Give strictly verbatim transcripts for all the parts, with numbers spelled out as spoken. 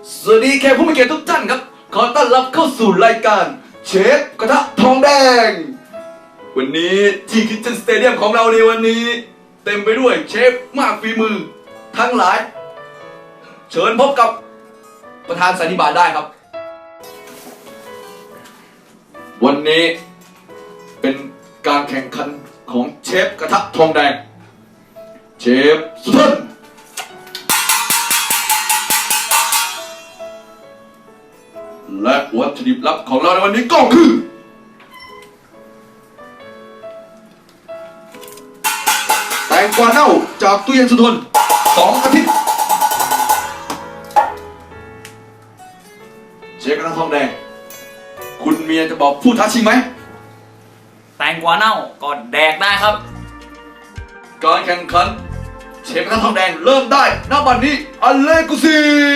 สวัสดีแขกผู้มีเกียรติทุกท่านครับขอต้อนรับเข้าสู่รายการเชฟกระทะทองแดงวันนี้ที่คิทเช่นสเตเดียมของเราในวันนี้เต็มไปด้วยเชฟมากฝีมือทั้งหลายเชิญพบกับประธานสันนิบาตได้ครับวันนี้เป็นการแข่งขันของเชฟกระทะทองแดงเชฟสุดและวัตถุดิบลับของเราในวันนี้ก็คือแตงกวาเน่าจากตู้เย็นสุทนสองอาทิตย์เชฟกระทะทองแดงคุณเมียจะบอกผู้ท้าชิงไหมแตงกวาเน่าก็แดกได้ครับการแข่งขันเชฟกระทะทองแดงเริ่มได้ณบัดนี้อัลเลกุซี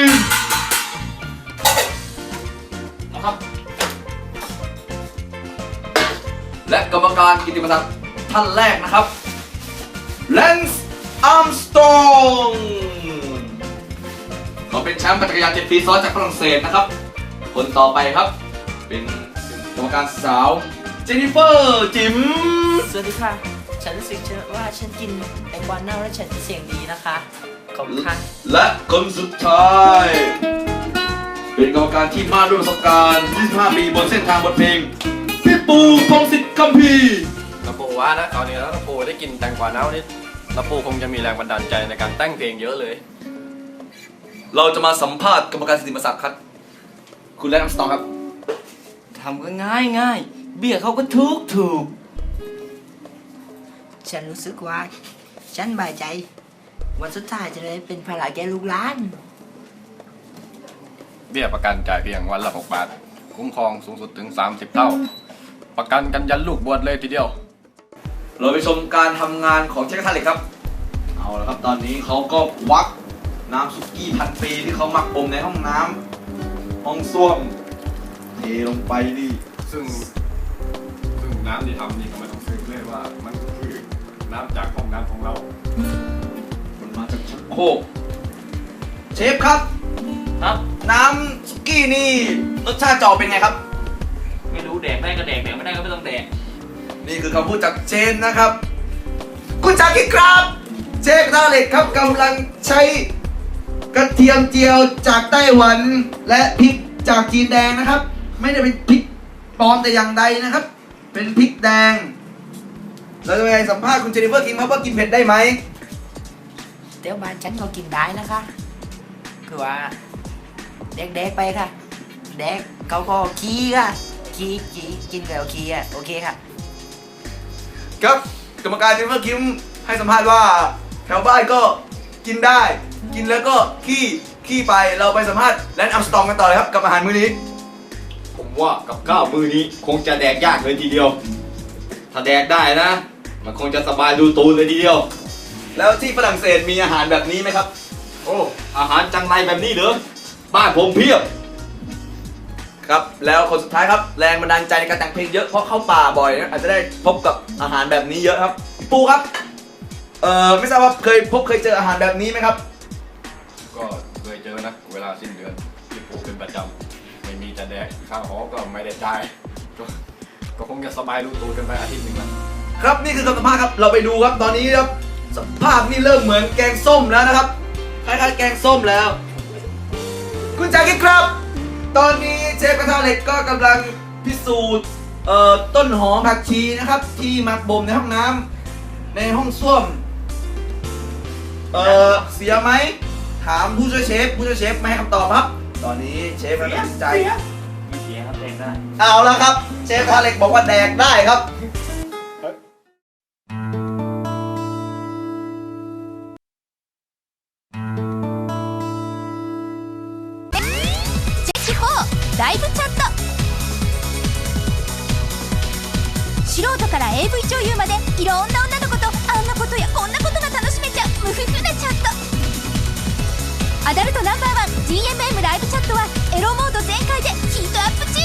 นะครับและกรรมการกิตติมศักดิ์ท่านแรกนะครับแลนซ์อาร์มสตรองเขาเป็นแชมป์จักรยานเจ็ดปีซ้อนจากฝรั่งเศสนะครับคนต่อไปครับเป็นกรรมการสาวเจนนิเฟอร์จิมสวัสดีค่ะฉันรู้สึกว่าฉันกินแตงกวาเน่าแล้วฉันเสียงดีนะคะขอบคุณค่ะและคนสุดท้ายเป็นกรรมการที่มาด้วยประสบการณ์ยี่สิบห้าปีบนเส้นทางบทเพลงพี่ปูพงศิษฐ์คัมภีร์น้าปูว่านะตอนนี้แล้วน้าปูได้กินแตงกวาเน่านี่น้าปูคงจะมีแรงบันดาลใจในการแต่งเพลงเยอะเลยเราจะมาสัมภาษณ์กรรมการกิตติมศักดิ์ครับคุณแลนซ์อาร์มสตรองครับทำก็ง่ายง่ายเบี้ยเขาก็ทุกถูกฉันรู้สึกว่าฉันบายใจวันสุดท้ายจะได้เป็นภาระแก่ลูกหลานเบี้ยประกันจ่ายเพียงวันละหกบาทคุ้มครองสูงสุดถึงสามสิบเท่าประกันกันยันลูกบวชเลยทีเดียวเราไปชมการทำงานของเชฟกระทะเหล็กครับเอาละครับตอนนี้เขาก็วักน้ำซุกี้พันปีที่เขาหมักบ่มในห้องน้ำห้องส้วมเทลงไปนี่ซึ่งซึ่งน้ำที่ทำนี่ก็ไม่ต้องซื้อเลยว่ามันคือน้ำจากห้องน้ำของเรามันมาจากชักโครกเชฟครับครับน้ำซุกี้นี่รสชาติจะออกเป็นไงครับไม่รู้แดกได้ก็แดกแดกไม่ได้ก็ไม่ต้องแดกนี่คือคำพูดจากเชนนะครับคุณจากิดครับเชฟกระทะเหล็กครับกำลังใช้กระเทียมเจียวจากไต้หวันและพริกจากจีนแดงนะครับไม่ได้เป็นพริกปลอมแต่อย่างใดนะครับเป็นพริกแดงเราจะไปสัมภาษณ์คุณเจนนิเฟอร์คิงครับว่ากินเผ็ดได้ไหมเดี๋ยวบ้านฉันเขากินได้นะคะคือว่าเด็กๆไปค่ะเด็กเขาก็ขี้ค่ะขี้ขี้กินแล้วขี้อ่ะโอเคค่ะครับกรรมการเจนนิเฟอร์คิงให้สัมภาษณ์ว่าแถวบ้านก็กินได้กินแล้วก็ขี้ขี้ไปเราไปสัมภาษณ์แลนซ์อาร์มสตรองกันต่อเลยครับกับอาหารมื้อนี้ผมว่ากับข้าวมื้อนี้คงจะแดกยากเลยทีเดียวถ้าแดกได้นะมันคงจะสบายดูตูนเลยทีเดียวแล้วที่ฝรั่งเศสมีอาหารแบบนี้ไหมครับโอ้อาหารจังไรแบบนี้เหรอบ้านผมเพียบครับแล้วคนสุดท้ายครับแรงบันดาลใจในการแต่งเพลงเยอะเพราะเข้าป่าบ่อยนะอาจจะได้พบกับอาหารแบบนี้เยอะครับพี่ปูครับเอ่อไม่ทราบว่าเคยพบเคยเจออาหารแบบนี้ไหมครับก็เคยเจอนะเวลาสิ้นเดือนที่ปูเป็นประจำไม่มีจะแดกข้าวหอก็ไม่ได้จ่ายก็คงจะสบายรู้ตัวกันไปอาทิตย์หนึ่งแล้วครับนี่คือคำสัมภาษณ์ครับเราไปดูครับตอนนี้ครับสภาพนี่เริ่มเหมือนแกงส้มแล้วนะครับคล้ายๆแกงส้มแล้วคุณจากิดครับตอนนี้เชฟกระทะเหล็กก็กำลังพิสูจน์เอ่อต้นหอมผักชีนะครับที่หมักบ่มในห้องน้ำในห้องส้วมเอ่อเสียไหมถามผู้ช่วยเชฟผู้ช่วยเชฟไม่ให้คำตอบครับตอนนี้เชฟกำลังตัดสินใจไม่เสียครับแดกได้เอาละครับเชฟกระทะเหล็กบอกว่าแดกได้ครับライブチャット素人から エーブイ 女優までいろんな女の子とあんなことやこんなことが楽しめちゃう無夫婦なチャットアダルトナンバーワン ジーエムエム ライブチャットはエロモード全開でヒートアップ中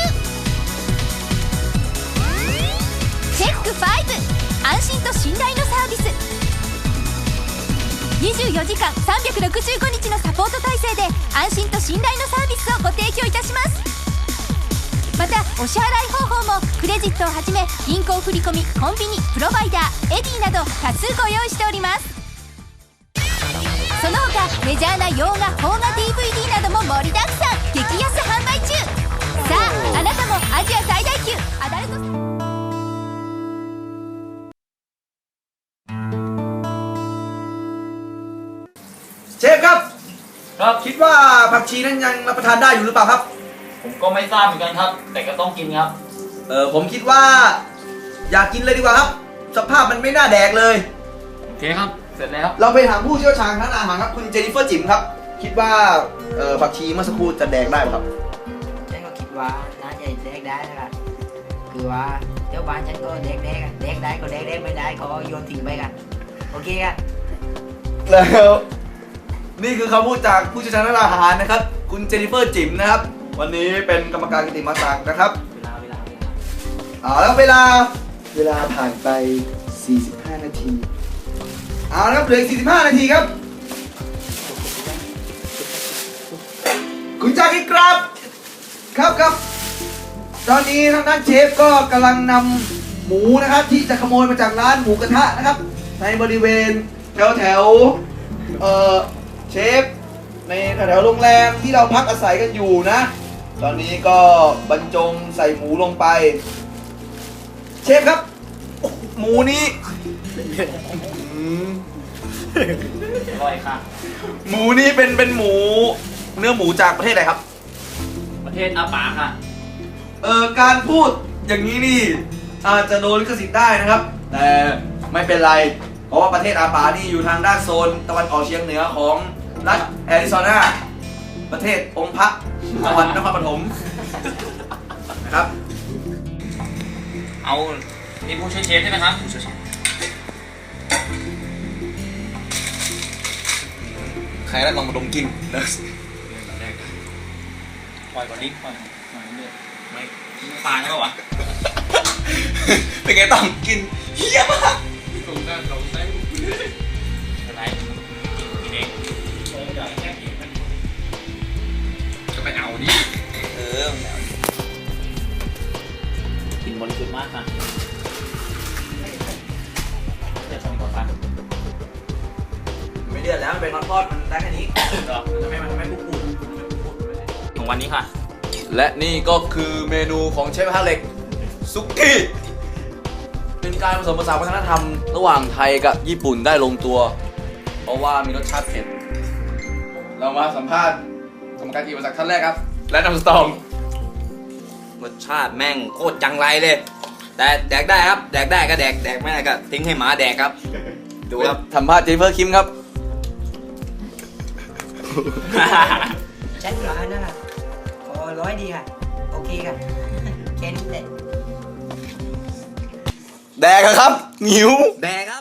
チェックファイブ安心と信頼のサービスにじゅうよじかんさんびゃくろくじゅうごにちのサポート体制で安心と信頼のサービスをご提供いたします。またお支払い方法もクレジットをはじめ銀行振込、コンビニ、プロバイダー、エディなど多数ご用意しております。その他メジャーな洋画、邦画 ディーブイディー なども盛りだくさん、激安販売中。さああなたもアジア最大級アダルトเชฟครับครับคิดว่าผักชีนั้นยังรับประทานได้อยู่หรือเปล่าครับผมก็ไม่ทราบเหมือนกันครับ แต่ก็ต้องกินครับเออผมคิดว่าอยากกินเลยดีกว่าครับ สภาพมันไม่น่าแดกเลยโอเคครับ เสร็จแล้วเราไปถามผู้เชี่ยวชาญทางอาหารครับคุณเจนนิเฟอร์จิมครับ คิดว่าเออผักชีเมื่อสักครู่จะแดกได้ไหมครับฉันก็คิดว่าน่าจะแดกได้นะครับคือว่าเดี๋ยวบ้านฉันก็แดกแดกอะแดกได้ก็แดกแดกไม่ได้ก็โยนทิ้งไปกันโอเคครับแล้วนี่คือคำพูดจากผู้เชี่ยวชาญด้านอาหารนะครับ คุณเจนนิเฟอร์จิมนะครับ วันนี้เป็นกรรมการกิตติมศักดิ์นะครับเวลาเวลาเวลาเอาแล้วเวลาเวลาผ่านไป สี่สิบห้า นาทีเอาแล้วครับเหลืออีกสี่สิบห้า นาทีครับ คุณจากิครับครับครับตอนนี้ทางด้านเชฟก็กำลังนำหมูนะครับ ที่จะขโมยมาจากร้านหมูกระทะนะครับ ในบริเวณแถวแถวๆเอ่อเชฟในแถวๆโรงแรมที่เราพักอาศัยกันอยู่นะ ตอนนี้ก็บรรจงใส่หมูลงไป เชฟครับโอ้โหหมูนี้อืมอร่อยค่ะหมูนี้เป็นเป็นหมูเนื้อหมูจากประเทศอะไรครับประเทศอาปาค่ะเอ่อการพูดอย่างนี้นี่อาจจะโดนลิขสิทธิ์ได้นะครับ แต่ไม่เป็นไร เพราะว่าประเทศอาปานี่อยู่ทางด้านโซนตะวันออกเฉียงเหนือของรัฐแอริโซนาประเทศองค์พระจังหวัดนครปฐมนะครับเอานี่ผู้ช่วยเชฟใช่ไหมครับผู้ช่วยเชฟใครได้ลองมาดมกินนะปล่อยก่อนดิปล่อยปล่อยเรื่อยๆไม่ไม่ตายใช่ปะวะเป็นไงต้องกินเฮี้ยมากอะไรกินเองจะไปเอาดิเออกินบริสุทธิ์มากค่ะเดี๋ยวชมก่อนค่ะไม่เดือดแล้วมันเป็นทอดๆมันได้แค่นี้เหรอทำไมมันทำไมพูดพูดของวันนี้ค่ะและนี่ก็คือเมนูของเชฟกระทะเหล็กซุกี้เป็นการผสมผสานวัฒนธรรมระหว่างไทยกับญี่ปุ่นได้ลงตัว เพราะว่ามีรสชาติเผ็ด เรามาสัมภาษณ์กรรมการกิตติมศักดิ์ท่านแรกครับ และน้ำสตองรสชาติแม่งโคตรจังไรเลย แต่แดกได้ครับ แดกได้ก็แดก แดกไม่ได้ก็ทิ้งให้หมาแดกครับ ดูครับสัมภาษณ์เจนนิเฟอร์คิมครับฉันว่านะขอร้อยดีค่ะโอเคค่ะแค่นี้แหละแดกอะครับหิวแดกครับ